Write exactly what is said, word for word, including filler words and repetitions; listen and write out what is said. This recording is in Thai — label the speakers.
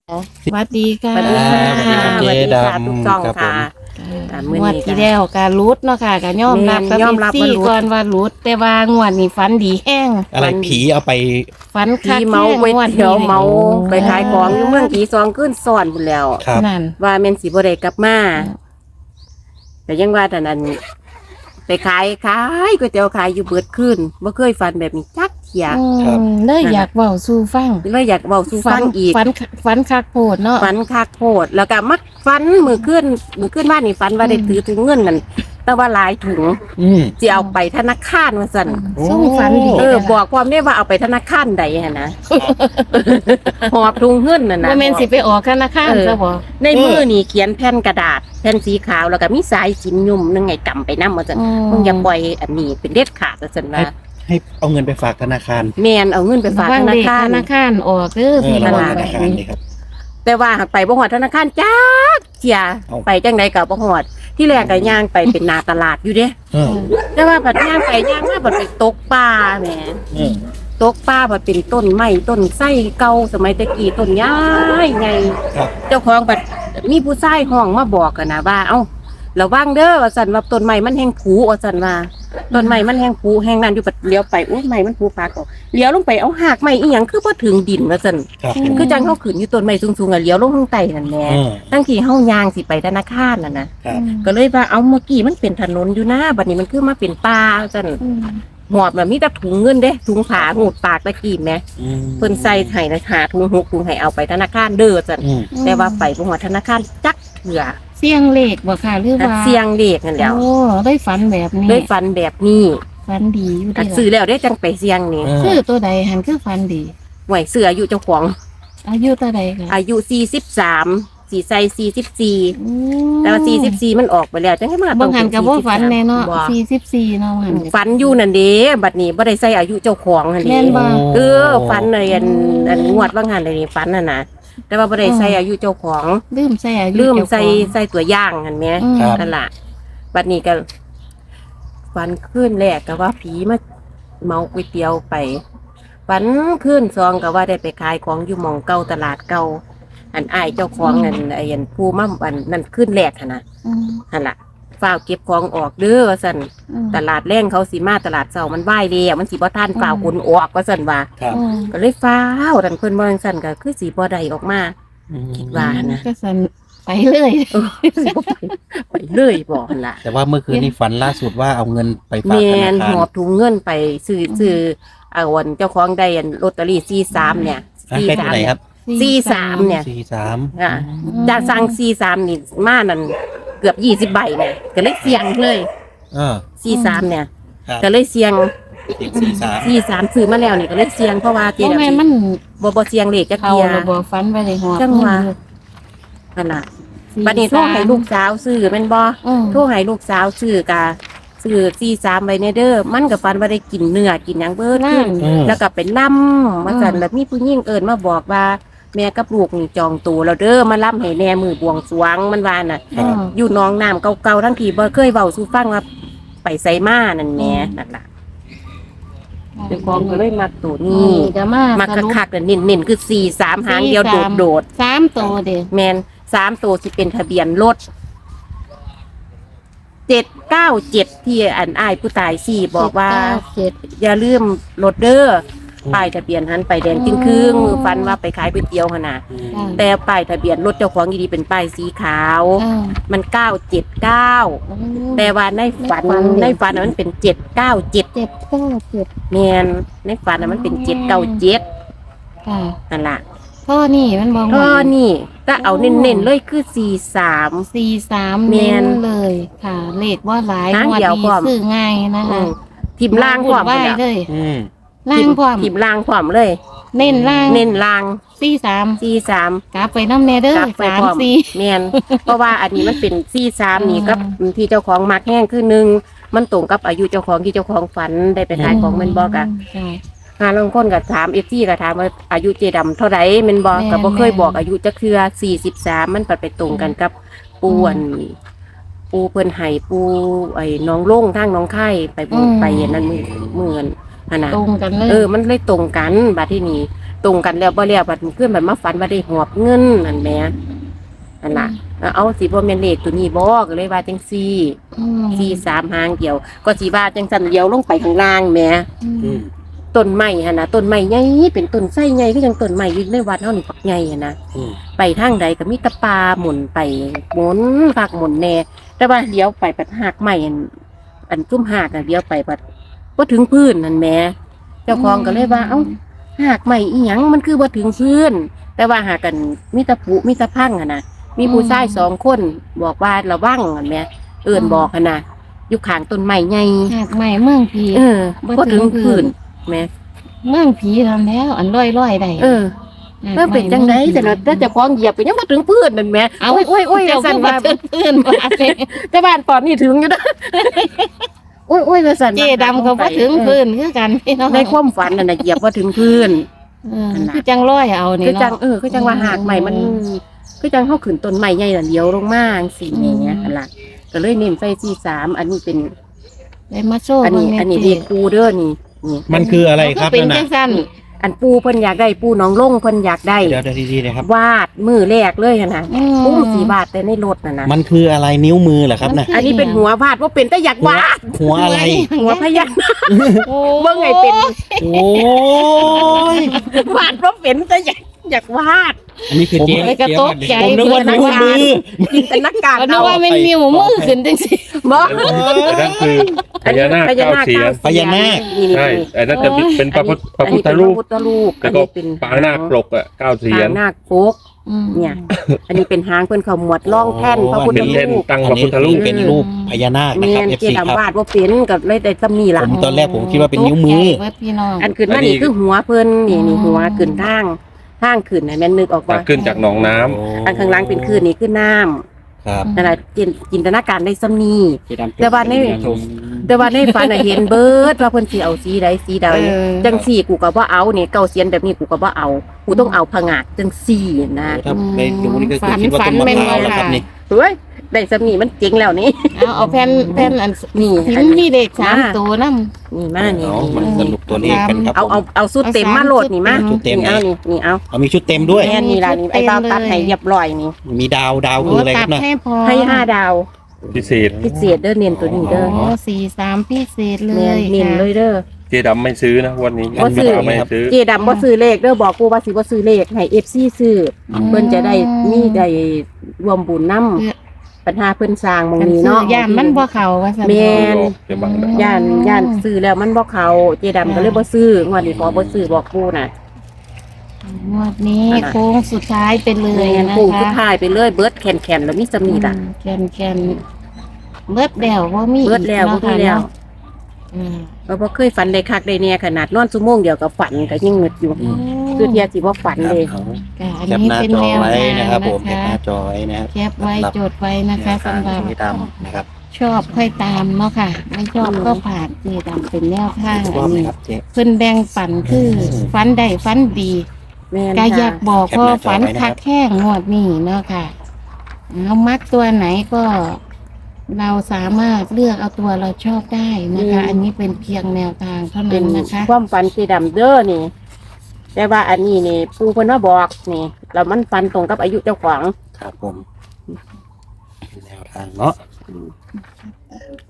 Speaker 1: สวัสดีค่ะ
Speaker 2: สวัสดีค่ะ
Speaker 3: สวัสดีครับเจ๊ดำ
Speaker 2: ทุกช่อง
Speaker 3: ครับผม
Speaker 2: ค่ะ อ่ามื้อนี้
Speaker 1: งวดที่แล้วการรูดเนาะค่ะการยอมรับ
Speaker 2: แม่นยอมรับ
Speaker 1: ซี่
Speaker 2: ว่ารูด
Speaker 1: ก่อนว่ารูดแต่ว่างวดนี้ฝันดีแห้ง
Speaker 3: อะไรผีเอาไป
Speaker 1: ฝัน
Speaker 2: ผี
Speaker 1: คัก
Speaker 2: เมา
Speaker 1: แห้ง
Speaker 2: ก๋วย
Speaker 1: งวด
Speaker 2: เตี๋ยว
Speaker 1: นี้
Speaker 2: เมา
Speaker 3: โอ้
Speaker 2: ไปขายของอยู่เมืองผีซองขึ้นซ่อนพุ่นแล้ว
Speaker 3: ครับ
Speaker 1: นั่น
Speaker 2: ว่าแม่นสิบ่ได้กลับมาแต่ยังว่าแต่นั้นไปขายขายก๋วยเตี๋ยวขายอยู่เบิดขึ้นบ่เคยฝันแบบนี้จักเที่ย
Speaker 1: อื
Speaker 3: ครับ
Speaker 1: มเลยอยากเว้าสู่ฟัง
Speaker 2: เลยอยากเว้าสู่ฟังอีก
Speaker 1: ฝันฝันคักโพดเนาะ
Speaker 2: ฝันคักโพดแล้วก็มักฝันมือขึ้นมือขึ้นบ้านนี่ฝันว่าได้ถือถุงเงินนั่นแต่ว่าหลายถุง
Speaker 3: อืม
Speaker 2: สิเอาไปธนาคารว่าซั่น
Speaker 3: โอ้
Speaker 1: ส่งฝันดี
Speaker 2: เออบอกความได้ว่าเอาไปธนาคารใดฮะนะ หอบถุงเงินน่ะนะ
Speaker 1: ว่าแม่นสิไปออกธนาคาร
Speaker 2: เออ
Speaker 1: ซะบ่
Speaker 2: ในมือนี่เขียนแผ่นกระดาษแผ่นสีขาวแล้วก็มีสายสินยุ่มนึงไงกำไปนำว่าซั่นมึงอย่าปล่อยอันนี้เป็นเด็ดขาดว่าซั่นว่า
Speaker 3: ให้เอาเงินไปฝากธนาคาร
Speaker 2: แม่นเอาเงินไปฝาก
Speaker 1: ระวัง
Speaker 2: ธนา
Speaker 1: เด็ก
Speaker 2: คาร
Speaker 1: ธนาคารออกเด้อ
Speaker 3: เออ
Speaker 1: พี่
Speaker 3: ระ
Speaker 1: น้อ
Speaker 3: วัง
Speaker 1: ง
Speaker 3: ธนาคารนี่ครับ
Speaker 2: แต่ว่าหากไปบ่ฮอดธนาคารจักเที่ย
Speaker 3: เอ้า
Speaker 2: ไปจังไดก็บ่ฮอดที่แรกก็ย่างไปเป็นหน้าตลาดอยู่เด้
Speaker 3: เออ
Speaker 2: แต่ว่าบัดย่างไปย่างมาบัดไปตกปลาแหม
Speaker 3: เออ
Speaker 2: ตกปลาบัดเป็นต้นไม้ต้นไส้เก่าสมัยตะกี้ต้นย้ายไง
Speaker 3: ครับ
Speaker 2: เจ้าของบัดมีผู้ชายห้องมาบอกกันนะว่าเอ้าระวังเด้อว่าซั่นว่าต้นไม้มันแห้งผุว่าซั่นว่าต้นไม้มันแห้งผุแห้งนั่นอยู่บัดเลี้ยวไปโอ้ยไม้มันผุปากออกเลี้ยวลงไปเอาหากไม้อีหยังคือบ่ถึงดินว่าซั่น
Speaker 3: ครับ
Speaker 2: คือจังเฮาขึ้นอยู่ต้นไม้สูงๆอ่ะเลี้ยวลงข้างใต้นั่นแหละ
Speaker 3: เออ
Speaker 2: ตั้งที่เฮายางสิไปธนาคารนั่นน่ะ
Speaker 3: ครับ
Speaker 2: ก็เลยว่าเอาเมื่อกี้มันเป็นถนนอยู่นะบัดนี้มันคือมาเป็นป่าซั่น
Speaker 1: อืม
Speaker 2: หอบแบบมีแต่ถุงเงินเด้ถุงผ้าหูดปากตะกี้แหม
Speaker 3: อืม
Speaker 2: เพิ่นใส่ให้นะหาถุงหกถุงให้เอาไปธนาคารเด้อซั่น
Speaker 3: อืม
Speaker 2: แต่ว่าไปบ่ฮอดธนาคารจักเถื่อ
Speaker 1: เสียงเลขบ่ค่ะหรือว่า
Speaker 2: เสียงเลขนั่นแหล้ว
Speaker 1: โอ้ได้ฝันแบบนี้
Speaker 2: ด้วยฟันแบบนี้
Speaker 1: ฝันดีอยู่
Speaker 2: ก็
Speaker 1: ดี
Speaker 2: ซื้อแล้วได้จังไปเสียงนี่
Speaker 3: เอ
Speaker 1: คือ
Speaker 3: อ
Speaker 1: ตัวใดหันคือฝันดี
Speaker 2: หวยเสืออายุเจ้าของ
Speaker 1: อายุตัวใดค่ะ
Speaker 2: อายุสี่สิบสามสีใส่สี่สิบสี่
Speaker 1: อืม
Speaker 2: แต่ว่าสี่สิบสี่มันออกไปแล้วจังได๋มา
Speaker 1: บางหันกับว่าฝันแน่เนาะ
Speaker 2: บ่
Speaker 1: สี่สิบสี่เนาะหัน
Speaker 2: ฝันอยู่นั่นเด้บัดนี้บ่ได้ใส่อายุเจ้าของหั่น
Speaker 1: แม่
Speaker 2: เด้
Speaker 1: นบ่
Speaker 2: เออฝันเลยอันอันงวดว่างหันเลยนี่ฝันน่ะนะแต่ว่าบ่ได้ใส่อายุเจ้าของ
Speaker 1: ลืมใส่อายุ
Speaker 2: ลืม
Speaker 1: เจ้าของ
Speaker 2: ใส่ใส่ตัวอย่างหั่นแหม
Speaker 1: อืม
Speaker 3: ครับ
Speaker 2: นั่นล่ะบัดนี้ก็ฝันขึ้นแรกก็ว่าผีมาเมาก๋วยเตี๋ยวไปฝันขึ้นซองก็ว่าได้ไปขายของอยู่หม่องเก่าตลาดเก่าอันอ้ายเจ้าของอันไอ้อันผู้มาอันนั่นขึ้นแรกหั่นน่ะ
Speaker 1: อืม
Speaker 2: หั่นล่ะฝ้าวเก็บของออกเด้อว่าซั่น
Speaker 1: อืม
Speaker 2: ตลาดแรงเขาสิมาตลาดเช้ามันไหว้แล้วมันสิบ่ทันฝ้าวขนออกว่าซั่นว่า
Speaker 3: ครับ
Speaker 1: อืม
Speaker 2: ก็เลยฟ้าวดันเพิ่นบ่จังซั่นก็คือสิบ่ได้ออกมา
Speaker 3: อืม
Speaker 2: คิดว่า นะ
Speaker 1: ก็สันไปเลย
Speaker 2: เออสิบ่ไปไปเลยบ่หั่นล่ะ
Speaker 3: แต่ว่าเมื่อคืนนี้ฝันล่าสุดว่าเอาเงินไปฝาก
Speaker 2: แม่
Speaker 3: ธนาน คา
Speaker 2: ห
Speaker 3: ร
Speaker 2: อบถุงเงินไปซื้อซื้อเอาวันเจ้าของได้อันลอตเตอรี่สี่สิบสามเนี่ย
Speaker 3: อ่ะเป็นตัวไหนครับ
Speaker 2: สี่สามเนี่ย
Speaker 3: สี่สาม
Speaker 2: อ่ะจากสั่งสี่สิบสามนี่มานั่นเกือบยี่สิบใบเนี่ยก็เลยเสี่ยงเลย
Speaker 3: เออ
Speaker 2: สี่สิบสามเนี่ย
Speaker 3: ครับ
Speaker 2: ก็เลยเสี่ยง
Speaker 3: เด็กสี่สาม
Speaker 2: สี่สิบสามซื้อมาแล้วนี่ก็เลยเสี่ยงเพราะว่าเจ๊
Speaker 1: เพราะ
Speaker 2: ดำ
Speaker 1: แม่นมัน
Speaker 2: บ่บ่เสี่ยงเลขจัก
Speaker 1: เขา
Speaker 2: เที่ย
Speaker 1: ระบบฟันไปเลยหอบ
Speaker 2: จังหวะ นั่นล่ะบัดนี้โทรให้ลูกสาวซื้อแม่นบ่
Speaker 1: อืม
Speaker 2: โทรให้ลูกสาวซื้อกะซื้อสี่สามใบเนเด้อมันกับฟันว่าได้กินเนื้อกินหยังเบิดขึ้น
Speaker 3: อืม
Speaker 2: แล้วก็เป็นล่ำมาสั่นแล้วมีผู้หญิงเอิญมาบอกว่า แม่กับลูกนี่จองตัวแล้วเด้อมาล่ำให้แน่มือบวงสรวงมันว่าน่ะ
Speaker 3: ครับ
Speaker 2: อยู่หน้องน้ำเก่าๆทั้งทีบ่เคยเว้าสู่ฟังว่าไปไสมานั่นแหม่นั่นล่ะเจ้าของก็เลยมาตัว
Speaker 1: นี่
Speaker 2: นี้
Speaker 1: ก็มา
Speaker 2: มา
Speaker 1: สรุป
Speaker 2: คักๆน่ะเน้นๆคือสี่สามหางเดียวโดด
Speaker 1: สามตัวเด้
Speaker 2: ๆแม่นสามตัวสิเป็นทะเบียนรถเจ็ดเก้าเจ็ดที่อันอ้ายผู้ตายสี่บอกว่า
Speaker 1: เจ็ด
Speaker 2: อย่าลืมรถเด้อป้ายทะเบียนหันไปแดงจึงครึ่งมือฟันว่าไปขายก๋วยเตี๋ยวขนาด
Speaker 3: อืม
Speaker 1: เก้า
Speaker 2: แต่ป้ายทะเบียนรถเจ้าของดีๆเป็นป้ายสีขาว
Speaker 1: เก้า
Speaker 2: มันเก้าเจ็ดเก้า
Speaker 1: โอ้
Speaker 2: แต่ว่าในฝัน
Speaker 1: ในฝัน
Speaker 2: ในฝันน่ะมันเป็นเจ็ดเก้าเจ็ด
Speaker 1: เจ็ดเก้าเจ็ด
Speaker 2: แมนในฝันน่ะมันเป็นเจ็ดเก้าเจ็ด
Speaker 1: ค่ะ
Speaker 2: นั่นล่ะ
Speaker 1: พ่อนี่มันบอก
Speaker 2: ก็
Speaker 1: ว่า
Speaker 2: นี่ก็เอาเน้นๆเลยคือสี่สาม
Speaker 1: สี่สาม
Speaker 2: แม่
Speaker 1: เน้
Speaker 2: น
Speaker 1: นเลยค่ะ เลขว่าหลาย
Speaker 2: หาง
Speaker 1: งวด
Speaker 2: เดียว
Speaker 1: ดี
Speaker 2: พร้อม
Speaker 1: ซื้อง่ายนะคะ
Speaker 2: ทิมล่างพร้อม
Speaker 1: ไหว
Speaker 2: พุ่น
Speaker 1: เล
Speaker 2: ล่ะ
Speaker 1: ย
Speaker 3: อืม
Speaker 1: ล่างพร้อม
Speaker 2: ทิมล่างพร้อมเลย
Speaker 1: เน้นล่าง
Speaker 2: เน้นล่าง
Speaker 1: สี่สาม
Speaker 2: สี่สาม
Speaker 1: กลับไปน้ำเนเด้อก
Speaker 2: ลับไป
Speaker 1: สาม
Speaker 2: พร้อม
Speaker 1: สี่
Speaker 2: แมน เพราะว่าอันนี้มันเป็นซี่สามนี่
Speaker 1: อืม
Speaker 2: กับที่เจ้าของมักแห้งคือหนึ่งมันตรงกับอายุเจ้าของที่เจ้าของฝันได้ไปขายของแมันบอกอะ
Speaker 1: ค่ะ
Speaker 2: หาลางคนก็ถามเอฟซีก็ถามว่าอายุเจดำเท่าไหร่แมันบอก
Speaker 1: แม่น
Speaker 2: ก็บ่เคย
Speaker 1: แม่น
Speaker 2: บอกอายุจักเทื่อสี่สิบสามมันปัดไปตรงกันกับปูอันปูเพิ่นไห้ปูไอ้น้องโล่งทางน้องไข่ไปบุญไปอันนั่นมือมือกันอันน่ะ
Speaker 1: ตรงกันเลย
Speaker 2: เออ มันเลยตรงกันบัดที่นี้ตรงกันแล้วบ่แล้วบัดเพื่อนบัดมาฝันว่าได้หอบเงินนั่นแหม่นั่นล่ะเอาสิบ่แม่นเลขตัวนี้บ่ก็เลยว่าจังซี่
Speaker 1: อืม
Speaker 2: สี่สามหางเดียว ก็สิว่าจังซั่นเดียวลงไปข้างล่างแหม่
Speaker 1: อืม
Speaker 2: ต้นไม้หั่นน่ะต้นไม้ใหญ่เป็นต้นไส้ใหญ่คือจังต้นไม้อยู่ในวัดเฮานี่ปักใหญ่หั่นน่ะ
Speaker 3: อืม
Speaker 2: ไปทางใดก็มีแตะปลาหมุนไปหมุนภาคหมุนแน่แต่ว่าเลี้ยวไปปัดหากใหม่อันอันซุ้มหากน่ะเลี้ยวไปปัดบ่ถึงพื้นนั่นแหม่เจ้าของก็เลยว่าเอ้าหากใหม่อีหยังมันคือบ่ถึงพื้น แต่ว่าหากันมีแตะปุมีแตะพังอ่ะนะมีผู้ชายสองคนบอกว่าระวังนั่นแหม่เอิ้นบอกหั่นน่ะอยู่ข้างต้นไม้ใหญ่
Speaker 1: หากใหม่เมืองผี
Speaker 2: เออบ่ถึงพื้นแหม่
Speaker 1: เมืองผีทำแล้ว อันร้อยร้อยๆได้
Speaker 2: เออ เออเป็นจังไดแต่เราแต่เจะคล้าของเหยียบไปยังมาถึงพื้นนั่นแหม่
Speaker 1: เอา
Speaker 2: โอ้ยโอ้ยโอ้ย
Speaker 1: เจ้า
Speaker 2: สั่น
Speaker 1: คือ
Speaker 2: ว่า
Speaker 1: ว่าเพื่อนๆว่าเจ๊
Speaker 2: แต่บ้านตอนนี้ถึงอยู่นะโอ้ยโอ้ยสั่น
Speaker 1: เจ๊ดำก็บ่ถึงพื้นคือกันพี่น้อง
Speaker 2: ในความฝันนั่นน่ะเหยียบว่าถึงพื้น
Speaker 1: เออคือจังร้อยเอานี่
Speaker 2: คือจัง
Speaker 1: เนาะ
Speaker 2: เออคือจังว่าหากใหม่มันคือจังเข้าขึ้นต้นใหม่ใหญ่น่ะเลี้ยวลงมาจังซี่อย่างเงี้ยหั่นล่ะก็เลยเน้นใส่สี่สามอันนี้เป็น
Speaker 1: ได้มาโซ่
Speaker 2: อันนี้
Speaker 1: เบิ่งแ
Speaker 2: อันนี้
Speaker 1: จ๊
Speaker 2: เรียกปูเด้อนี่นี่
Speaker 3: มันคืออะไรครับ
Speaker 1: เขาเป็น
Speaker 3: นั่น
Speaker 1: จั
Speaker 3: น่ะ
Speaker 1: งซั่น
Speaker 2: อันปูเพิ่นอยากได้ปูหน้องลงเพิ่นอยากได้
Speaker 3: เดี๋ยวเดี๋ยวดีๆเลยครับ
Speaker 2: วาดมือแรกเลยหั่นน่ะ
Speaker 1: อื
Speaker 2: ปูสีบาทแต่ในรถน่ะนะ
Speaker 3: มันคืออะไรนิ้วมือเหรอครับน่ะ
Speaker 2: อันนี้เป็นหัววาดว่าเป็นแต่อยากวาด
Speaker 3: หัวอะไร
Speaker 2: หัวพญานาค
Speaker 1: โอ้
Speaker 2: เบิ่งไงเป็น
Speaker 3: โอ้ย
Speaker 2: วาดว่าเป็นแต่อยากอยากวาด
Speaker 4: อันนี้คือเจ๊
Speaker 1: ไปกระตกใจ
Speaker 3: ผมนึกว่านิ้วมือ
Speaker 2: จินตนาการ
Speaker 1: ก็นึก
Speaker 2: เอา
Speaker 1: ว่ามันมีหมูมือขึ้นจังซี่
Speaker 2: บ่
Speaker 5: อันนั้นคือพญานาคเก้าเสียน
Speaker 3: พญานาค
Speaker 2: นี่ๆ
Speaker 5: ใช่อันนั้นจะเป็นพระพุทธพระ
Speaker 2: อัน
Speaker 5: พุท
Speaker 2: นี้
Speaker 5: ธ
Speaker 2: เป็น
Speaker 5: รู
Speaker 2: พ
Speaker 5: ประ
Speaker 2: พุทธรูป
Speaker 5: แล้วก็
Speaker 2: อันนี้เป็น
Speaker 5: ปางนาคปลกอ่ะเก้าเสีย
Speaker 2: ปาน งนาคโปก
Speaker 1: อืม
Speaker 2: เนี่ย อันนี้เป็นหางเพิ่นเขาหมวดร่องแท่นพระพุทธ
Speaker 5: เป็นแท่น
Speaker 2: รูป
Speaker 5: ตั้ง
Speaker 3: อั
Speaker 5: พ
Speaker 3: น
Speaker 5: ระ
Speaker 3: นี้
Speaker 5: พุทธรูป
Speaker 3: เป็นรูปพญานาคนะ
Speaker 2: แม่
Speaker 3: ครับ
Speaker 2: น
Speaker 3: เอฟ
Speaker 2: เจ
Speaker 3: ซีครับ
Speaker 2: ดำวาดว่าเป็นกับเลยแต่ซ้ำนี่ล่ะ
Speaker 3: ผมตอนแรกผมคิดว่าเป็นนิ้วมือ
Speaker 1: ตกใจเบิดพี่น้อง
Speaker 2: อันขึ้นมานี่คือหัวเพิ่นนี่นี่หัวขึ้นทางทางขึ้นน่ะแม่นนึกออก
Speaker 5: ตั
Speaker 2: ว่า
Speaker 5: กขึ้นจากหนองน้ำ
Speaker 2: อันข้างหล่างเป็นขึ้นนี่คือน้ำ
Speaker 3: ครับ
Speaker 2: นั่นแหละจินจินตนาการได้ซ้ำนี่
Speaker 4: เจ๊ดำ
Speaker 2: แต่ว่าใน แต่ว่าในฝันน่ะเห็นเบิดว่าเพิ่นสิเอาสีใดสีใด
Speaker 1: เออ
Speaker 2: จังสี่กูก็บ่เอานี่เก้าเสียนแบบนี้กูก็บ่เอากูต้องเอาผงาดจังสี่นะ
Speaker 3: ถ้าไม่รู้นี่ก็คือคิดว่าต้นมะพร้าวแล้วครับนี่
Speaker 2: เฮ้ยได้ซ้ำนี่มันเจ๋งแล้วนี่
Speaker 1: เอาเอาแผ่นแผ่นอัน
Speaker 2: นี่
Speaker 1: พิม
Speaker 2: อัน
Speaker 1: พ์
Speaker 2: นี้
Speaker 1: มีเลขสามตัวนำ
Speaker 2: นี่มานี่
Speaker 3: เอามันสรุปตัวเลขกันครับ
Speaker 2: เอาเอาเอาสุดเต็มมาโหลดนี่มา
Speaker 3: ชุดเต็ม
Speaker 2: นี่เอานี่นี่เอา
Speaker 3: เอามีชุดเต็มด้วย
Speaker 2: แม่นี่ล่ะนี่ไอ้บ้าวตัดให้เรียบร้อยนี่
Speaker 3: มีดาวดาวคืออะไรค
Speaker 1: ตั
Speaker 3: รั
Speaker 1: ด
Speaker 3: บนะ
Speaker 1: ให้พอ
Speaker 2: ให้ห้าดาว
Speaker 5: พิเศษ
Speaker 2: พิเศษเด้อเน้นตัวนี้เด้อ
Speaker 1: โอ้สี่สามพิเศษเล
Speaker 2: แม่
Speaker 1: ย
Speaker 2: เน้น
Speaker 1: ค่ะ
Speaker 2: เลยเด้อ
Speaker 5: เจ๊ดำไม่ซื้อนะวันนี้
Speaker 2: บ่ซื้อ
Speaker 5: ไม่ซื้อ
Speaker 2: เจดำบ่ซื้อเลขเด้อบอกกูว่าสิบ่ซื้อเลขให้ เอฟ ซี ซื้อเพิ่นจะได้มีได้รวมบุญนำปัญหาเพิ่นสร้างหมอง
Speaker 1: อัน
Speaker 2: นี้
Speaker 1: ซื้อ
Speaker 2: เนาะ
Speaker 1: ย่านมันบ่เข้าว่าซั่น
Speaker 2: แม่น
Speaker 5: เจ๊บังนะ
Speaker 2: ย่านย่านซื้อแล้วมันบ่เข้าเจดำก็เลยบ่ซื้องวดนี้ขอบ่ซื้อบอกกูน่ะ
Speaker 1: งวดนี้โค้งสุดท้ายไปเลย
Speaker 2: แม่น
Speaker 1: นะ
Speaker 2: กูสุด
Speaker 1: คะ
Speaker 2: ท้ายไปเลยเบิดแขนๆแล้วมีสำนีล่ะ
Speaker 1: อืมแคนแคนเบิดแล้วบ่มี
Speaker 2: เบิดแล้วบ่
Speaker 1: อีก
Speaker 2: มี
Speaker 1: เนาะ
Speaker 2: แล้ว
Speaker 1: อืม
Speaker 2: เราบ่เคยฝันได้คักได้แน่ขนาดนอนชั่วโมงเดียวก็ฝันก็ยังงึดอยู่คือเทียสิบ่ฝัน
Speaker 3: ครับ
Speaker 2: เลย
Speaker 3: เอา
Speaker 1: ค่ะอัน
Speaker 3: แคป
Speaker 1: นี้
Speaker 3: หน้า
Speaker 1: เป็น
Speaker 3: จอ
Speaker 1: แนว
Speaker 3: ไว้
Speaker 1: ทาง
Speaker 3: นะ
Speaker 1: นะ
Speaker 3: ค
Speaker 1: ค
Speaker 3: รั
Speaker 1: รั
Speaker 3: บบ ผมแคปหน้าจอไว้นะครับ
Speaker 1: แคปไว้จดไว้นะคะสำหรับ
Speaker 3: สีดำนะครับ
Speaker 1: ชอบค่อยตามเนาะค่ะ ไม่ชอบก็ผ่านนี่ดำเป็นแนวทาง
Speaker 3: ชอ
Speaker 1: อั
Speaker 3: บ
Speaker 1: น
Speaker 3: ไหม
Speaker 1: นี้
Speaker 3: ครับเจ๊
Speaker 1: เพิ่นแบ่งปันคือฟันได้ฟันดี
Speaker 2: แม่น
Speaker 1: ก็อยาก
Speaker 2: ค่ะ
Speaker 1: บอก
Speaker 3: แคป
Speaker 1: ว่า
Speaker 3: หน้าจอ
Speaker 1: ฝัน
Speaker 3: ไว้นะครับ
Speaker 1: คักแข้งงวดนี้เนาะค่ะเอามักตัวไหนก็ เราสามารถเลือกเอาตัวเราชอบได้นะคะ อันนี้เป็นเพียงแนวทางเท่า
Speaker 2: เป็
Speaker 1: นั้น นนะคะ
Speaker 2: ความฝันสีดำเด้อนี่ แต่ว่าอันนี้นี่ปูเพิ่นมาบอกนี่แล้วมันฝันตรงกับอายุเจ้าของ
Speaker 3: ครับผมแนวทางเนาะ